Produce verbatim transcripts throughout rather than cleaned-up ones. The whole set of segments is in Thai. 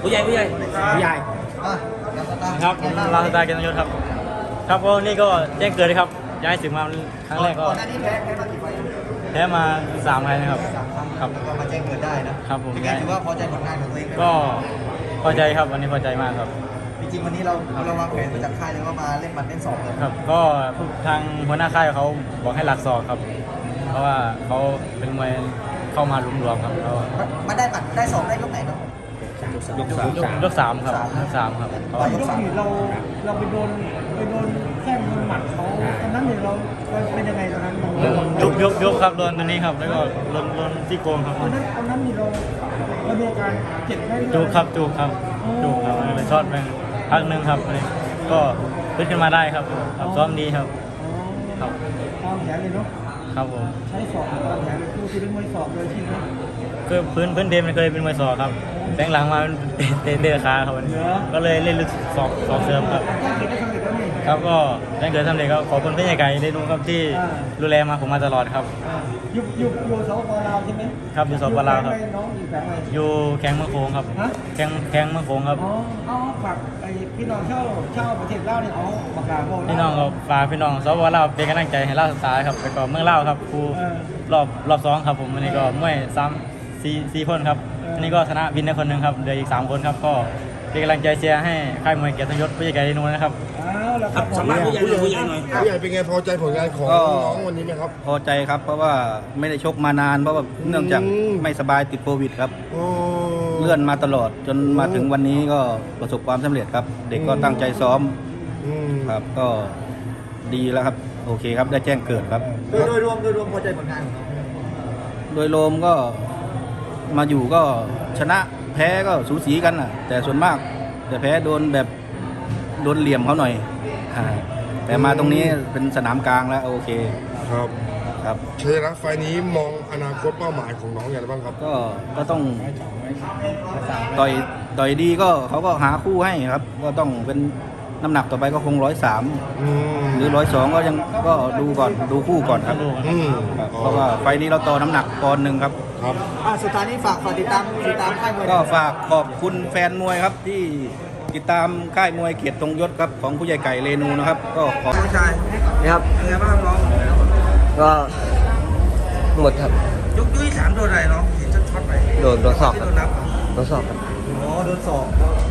ผู้ใหญ่ผู้ใหญ่ผู้ใหญ่ครับลาสตาร์เกียรติยศครับครับก็นี่ก็แจ้งเกิดเลยครับย้ายถึงมาครั้งแรกก็แพ้มาสามไฟนะครับครับก็มาแจ้งเกิดได้นะครับผมเป็นไงถือว่าพอใจผลงานของตัวเองไหมก็พอใจครับวันนี้พอใจมากครับจริงๆวันนี้เราเราวางแผนมาจากค่ายเลยว่ามาเล่นหมัดเล่นศอกเลยครับก็ทางหัวหน้าค่ายเขาบอกให้หลักศอกครับเพราะว่าเขาเป็นมวยเข้ามาลุมรวมครับเขามาได้หมัดได้ศอกได้ยกไหนเนาะยกสามยกสามครับยกสามครับตอนยกสี่เราเราไปโดนไปโดนแข้งโดนหมัดเขาตอนนั้นเนี่ยเราเป็นยังไงตอนนั้นยกยกยกครับโดนตัวนี้ครับแล้วก็โดนโดนที่โกงครับตอนนั้นตอนนั้นนี่เราเราดูการเจ็บไหมจูบครับจูบครับจูบครับเลยช็อตไปพักหนึ่งครับก็ขึ้นขึ้นมาได้ครับซ้อมดีครับครับตามแผนเลยเนาะครับผมใช้ศอกตามแผนคือคือเป็นมวยศอกเลยใช่ไหมคือพื้นพื้นเดิมมันเคยเป็นมวยศอกครับแบงหลังมาเตะเตะขาครับก็เลยเล่นลึกศอกศอกเสริมครับครับก็แจ้งเกิดทำเลยครับขอบคุณพี่ใหญ่ไก่ได้ดูครับที่ดูแลมาผมมาตลอดครับอยู่อยู่อยู่สปลาวใช่ไหมครับอยู่สปลาวครับอยู่แข้งเมืองโขงครับแข้งแข้งเมืองโขงครับอ๋อเอาฝากไอ้พี่น้องเช่าเช่าประเทศลาวเนี่ยเอาปากกาบอกพี่น้องครับฝากพี่น้องสปลาวเป็นกำลังใจให้ลาวสตาร์ครับไปก่อนเมืองลาวครับครูรอบรอบสองครับผมวันนี้ก็มวยซ้ำสี่สี่คนครับอันนี้ก็ชนะวินได้คนหนึ่งครับเหลืออีกสามคนครับก็เป็นกำลังใจเชียร์ให้ค่ายมวยเกียรติยศผู้ใหญ่ไก่นูนะครับครับสำหรับผู้ใหญ่ผู้ใหญ่หน่อยผู้ใหญ่เป็นไงพอใจผลงานของน้องวันนี้ไหมครับพอใจครับเพราะว่าไม่ได้ชกมานานเพราะว่าเนื่องจากไม่สบายติดโควิดครับเลื่อนมาตลอดจนมาถึงวันนี้ก็ประสบความสำเร็จครับเด็กก็ตั้งใจซ้อมครับก็ดีแล้วครับโอเคครับได้แจ้งเกิดครับโดยโดยรวมโดยรวมพอใจผลงานของน้องโดยรวมก็มาอยู่ก็ชนะแพ้ก็สูสีกันน่ะแต่ส่วนมากแต่แพ้โดนแบบโดนเหลี่ยมเขาหน่อยแต่มาตรงนี้เป็นสนามกลางแล้วโอเคครับครับชัยชนะไฟนี้มองอนาคตเป้าหมายของน้องอย่างไรบ้างครับก็ก็ต้องต่อยต่อยดีก็เขาก็หาคู่ให้ครับก็ต้องเป็นน้ำหนักต่อไปก็คงร้อยสามหรือร้อยสองก็ยังก็ดูก่อนดูคู่ก่อนครับเพราะว่าไฟนี้เราต่อน้ำหนักปอนด์หนึ่งครับครับสุดท้ายนี้ฝากฝากติดตามติดตามค่ายมวยก็ฝากขอบคุณแฟนมวยครับที่ติดตามค่ายมวยเกียรติทรงยศครับของผู้ใหญ่ไก่เรนูนะครับก็ขอผู้ชายนะครับเป็นไงบ้างน้องก็หมดครับยกยุ้ยสามโดนอะไรน้องเห็นช็อตๆไปโดนโดนศอกครับโดนนับโดนศอกครับอ๋อโดนศอก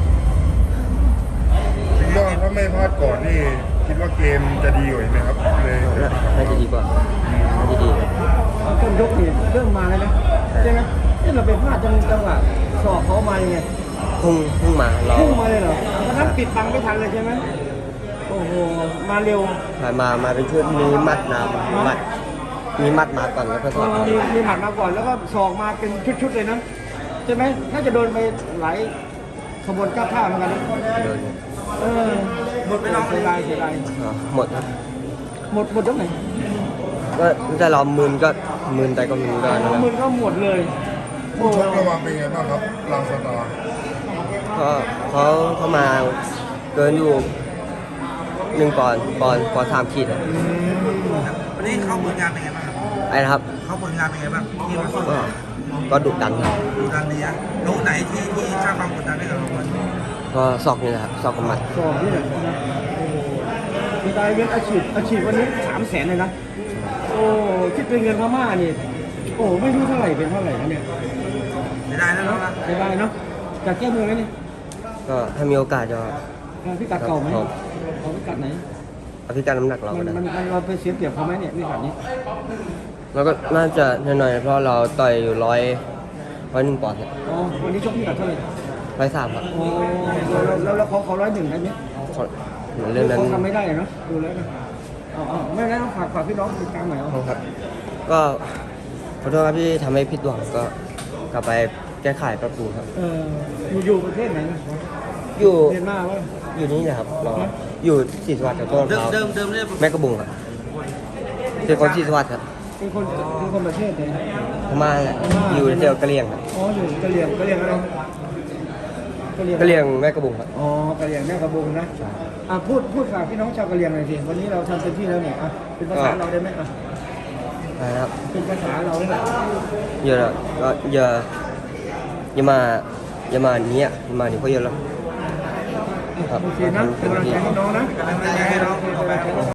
คิดว่าถ้าไม่พลาดก่อนนี่คิดว่าเกมจะดีกว่าไหมครับเลยน่าจะดีกว่าน่าจะดีครับต้นยกนี่เริ่มมาแล้วนะใช่ไหมที่เราไปพลาดจังจังหวะศอกเขามาไงพุ่งพุ่งมาเราพุ่งมาเลยเหรอเพราะนั้นปิดบังไม่ทันเลยใช่ไหมโอ้โหมาเร็วมามาเป็นชุดมีมัดน้ำมัดมีมัดมาก่อนแล้วก็ศอกมีมีหมัดมาก่อนแล้วก็ศอกมาเป็นชุดๆเลยนะใช่ไหมน่าจะโดนไปหลายขบวนก้าวท่าเหมือนกันนะโดนเออหมดไปน้องเสียดายเสียดายหมดครับหมดหมดยกไหนก็จะรอมืนก็มืนแต่ก็มืนก็นะมืนก็หมดเลยผู้ชกระวังเป็นไงบ้างครับลาสตาร์ก็เขาเข้ามาเกินอยู่หนึ่งปอนด์ปอนด์ปอนด์สามขีดวันนี้เขาผลงานเป็นไงบ้างครับไอ้นะครับเขาผลงานเป็นไงบ้างที่มาก็ก็ดุดันครับดุดันดีนะโน้ตไหนที่ที่สร้างความกดดันให้กับเราบ้างก็ศอกนี่แหละครับศอกกับหมัดศอกนี่แหละนะโอ้โหมีได้เงินอาชีพอาชีพวันนี้สามแสนเลยนะโอ้คิดเป็นเงินพม่านี่โอ้ไม่รู้เท่าไหร่เป็นเท่าไหร่นะเนี่ยไม่ได้แล้วนะไม่ได้เนาะจากแก้มือไหมนี่ก็ถ้ามีโอกาสจะพิกัดเก่าไหมเอาพิกัดไหนพิกัดน้ำหนักเรามันมันเราไปเสียเปรียบเขาไหมเนี่ยพิกัดนี้เราก็น่าจะหน่อยๆเพราะเราต่อยอยู่ร้อยร้อยหนึ่งปอนด์อ๋อวันนี้ชกพิกัดเท่าไหร่ร้อยสามครับโอ้แล้วแล้วเขาเขาร้อยหนึ่งได้ไหมเรื่องนั้นทำไม่ได้เนาะดูแล้วนะอ๋อไม่ได้ต้องฝากฝากพี่น้องติดตามหน่อยครับก็ขอโทษครับที่ทำให้ผิดหวังก็กลับไปแก้ไขปรับปรุงครับเอออยู่อยู่ประเทศไหนนะอยู่เมียนมาว่าอยู่นี่นะครับเราอยู่ศรีสวัสดิ์กับต้นเขาเดิมเดิมเนี่ยแม่กระบุงครับเป็นคนศรีสวัสดิ์ครับเป็นคนเป็นคนประเทศไหนพม่าแหละอยู่เดียวกะเหรี่ยงครับอ๋ออยู่กะเหรี่ยงกะเหรี่ยงอะไรกะเหรี่ยงแม่กระบุงครับอ๋อกะเหรี่ยงแม่กระบุงนะอ่ะพูดพูดฝากพี่น้องชาวกะเหรี่ยงหน่อยสิวันนี้เราทำเต็มที่แล้วเนี่ยอ่ะเป็นภาษาเราได้ไหมอ่ะนะครับเป็นภาษาเราได้ไหมเยอะก็เยอะอย่ามาอย่ามาเนี้ยอย่ามานี่เขาเยอะแล้วครับโอเคนะเป็นกำลังใจให้น้องนะกำลังใจให้น้อง